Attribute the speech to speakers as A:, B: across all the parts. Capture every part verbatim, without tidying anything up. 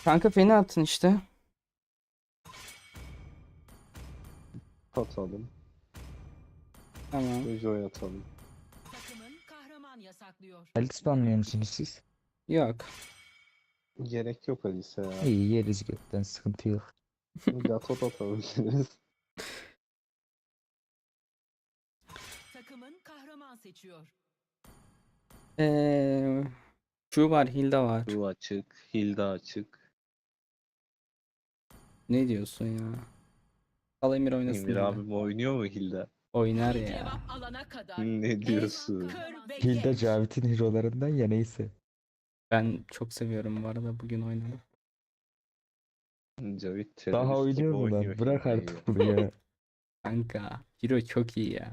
A: Kanka fena attın işte.
B: Atalım.
A: Tamam.
B: Joy atalım.
C: Takımın kahraman yasaklıyor.
D: Alice banlıyor musunuz siz?
A: Yok.
B: Gerek yok Alice ya.
D: İyi yeriz gökten, sıkıntı yok.
B: Gatot atabiliriz.
C: Takımın kahraman seçiyor.
A: Eee şu var, Hilda var.
B: Bu açık. Hilda açık.
A: Ne diyorsun ya? Al Emir oynasın.
B: Emir
A: Hilda.
B: abim oynuyor mu Hilda?
A: Oynar ya.
C: Cevap alana kadar.
B: Ne diyorsun?
C: Kör ve
D: Hilda
C: geç.
D: Cavit'in hero'larından ya, neyse.
A: Ben çok seviyorum bu arada bugün oynamayı.
B: Cavit terörist
D: Daha
B: gibi
D: oynuyor mu
B: oynuyor
D: lan? Bırak
B: Hilda'yı
D: artık bunu ya.
A: Kanka Hiro çok iyi ya.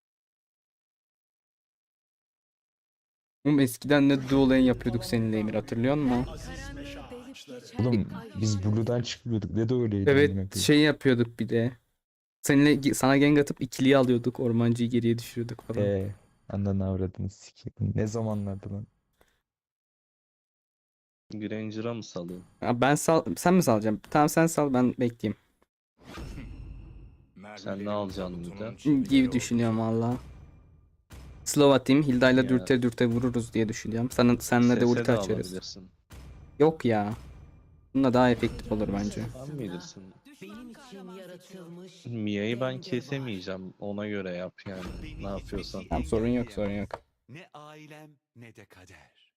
A: Oğlum eskiden ne dual lane yapıyorduk seninle Emir, hatırlıyor musun?
C: Karanlığı delip geçen
D: Oğlum
C: ay
D: biz
C: ışığı.
D: Blue'dan çıkmıyorduk. Ne de öyleydi. amına
A: Evet,
D: koyayım.
A: şey yapıyorduk bir de. Seninle sana gank atıp ikiliyi alıyorduk. Ormancıyı geriye düşürüyorduk falan.
D: Eee. Ananı avradını sikeyim. Ne zamanlardı lan?
B: Granger'a mı salayım?
A: Ya ben sal sen mi salacaksın? Tamam sen sal, ben bekleyeyim.
B: Sen ne alacaksın bir de?
A: Gibi düşünüyorum valla. Slow atayım. Hilda'yla
B: Ya.
A: dürte dürte vururuz diye düşünüyorum. Sana, senle de
B: Sese
A: ulti
B: de
A: açarız.
B: alabilirsin.
A: Yok ya. Bununla daha efektif olur bence.
B: Sen bilirsin.
C: Benim için yaratılmış.
B: Mia'yı ben kesemeyeceğim. Ona göre yap yani. Ne yapıyorsan.
A: Tamam, sorun yok sorun yok.
E: Ne ailem ne de kader.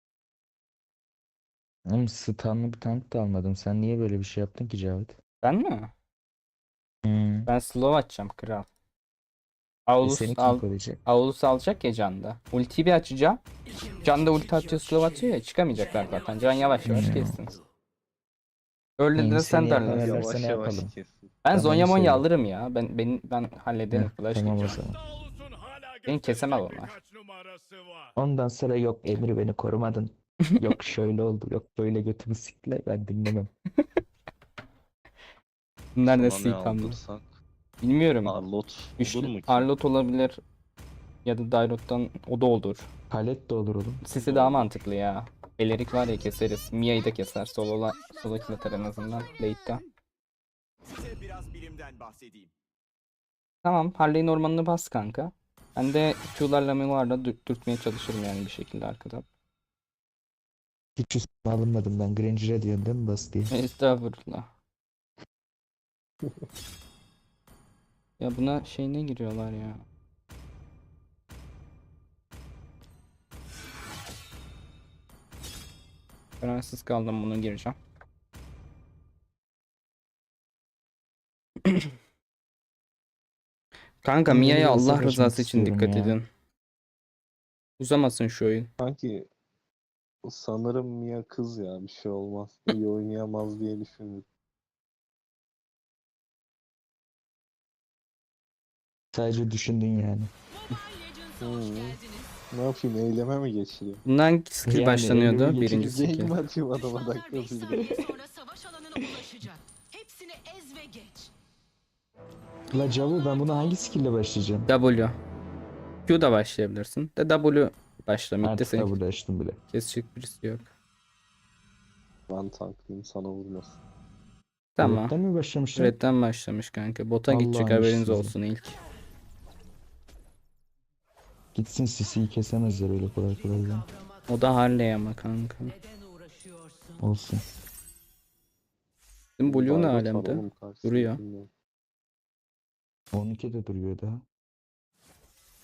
D: Oğlum stunlı bir tank da almadım. Sen niye böyle bir şey yaptın ki Cavit?
A: Ben mi?
D: Hmm.
A: Ben slow açacağım kral.
D: E
A: Aulus,
D: seni kim
A: al,
D: koruyacak?
A: Aulus alacak ya Can'da. Ultiyi bir açacağım. Can'da ulti atıyor, slow atıyor ya, çıkamayacaklar zaten. Can yavaş yavaş
D: Hmm.
A: kessin. Öyle
D: Hmm,
A: de
D: seni
A: sen derler.
D: yakalarlar.
B: Yavaş
D: ne
B: yavaş
D: yapalım?
B: kesin.
A: Ben
D: Tamam,
A: Zonya Monya
D: söyle.
A: alırım ya. Ben ben ben hallederim.
D: Heh,
A: Flash
D: tamam o
A: geçeceğim.
D: zaman.
A: Beni kesemez onlar.
D: Ondan sonra yok Emir beni korumadın. Yok şöyle oldu. Yok böyle götümü siktiler. Ben dinlemem.
A: Bunlar
B: Sana
A: nasıl
B: ne
A: yıkandı?
B: aldırsak?
A: Bilmiyorum.
B: Arlot
A: Güçlü-
B: olur mu ki?
A: Arlot olabilir. Ya da Dairot'tan o da olur.
D: Palet de olur oğlum.
A: Sesi daha mantıklı ya. Belerik var ya, keseriz. Mia'yı da keser. Solo'la solo kill atar en azından. Late'de.
E: Size biraz bilimden bahsedeyim.
A: Tamam. Harley'in ormanını bas kanka. Ben de Q'larla Mivar'la dür- dürtmeye çalışırım yani bir şekilde arkadan.
D: Hiç üstüme alınmadım ben. Granger'e diyorum değil mi bas diye.
A: Estağfurullah. Ya buna şeyine giriyorlar ya. Kararsız kaldım, bunu gireceğim. Kanka
D: Ben
A: Mia'ya
D: yeni bir
A: Allah
D: hesap
A: rızası
D: açmak
A: için
D: istiyorum
A: dikkat
D: ya.
A: edin. Uzamasın şu oyun.
B: Sanki sanırım Mia kız ya, bir şey olmaz. İyi oynayamaz diye düşündüm.
D: Sadece düşündün yani.
C: Mobile Legends'a hoş
B: Hmm.
C: geldiniz.
B: Ne yapayım, eyleme mi geçireyim?
A: Bundan hangi skill
D: Yani
A: başlanıyordu?
D: elimi
A: Birinci
D: geçireceğim.
A: skill.
B: Game atayım adama
C: Düşmanlar
B: dakika
C: beş
B: bir.
C: saniye sonra savaş alanına ulaşacak. Hepsini ez ve geç.
D: La Cavu ben buna hangi skill'le başlayacağım?
A: W. Q'da başlayabilirsin. De W başla. Mid'de
D: Artık
A: seni
D: da burada açtım bile.
A: kesecek birisi yok.
B: Ben tanklayayım, sana vurmasın.
A: Tamam.
D: Red'den mi başlamışlar?
A: Red'den başlamış kanka. Bota
D: Allah'ın
A: gidecek, haberiniz
D: işsizi.
A: olsun ilk.
D: Gitsin Sisi'yi kesemezler öyle kolay kolay ya.
A: O da Harley ama kanka.
C: Neden uğraşıyorsun?
D: Olsun.
A: Bizim Blue ne
B: Dairot var
A: alemde?
B: oğlum karşısında,
A: Duruyor.
B: bilmiyorum.
D: on iki de duruyor daha.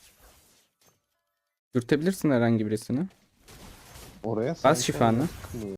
A: Dürtebilirsin herhangi birisini.
B: Oraya
A: Bas
B: sanki
A: şifanı.
B: oraya çıkmıyor.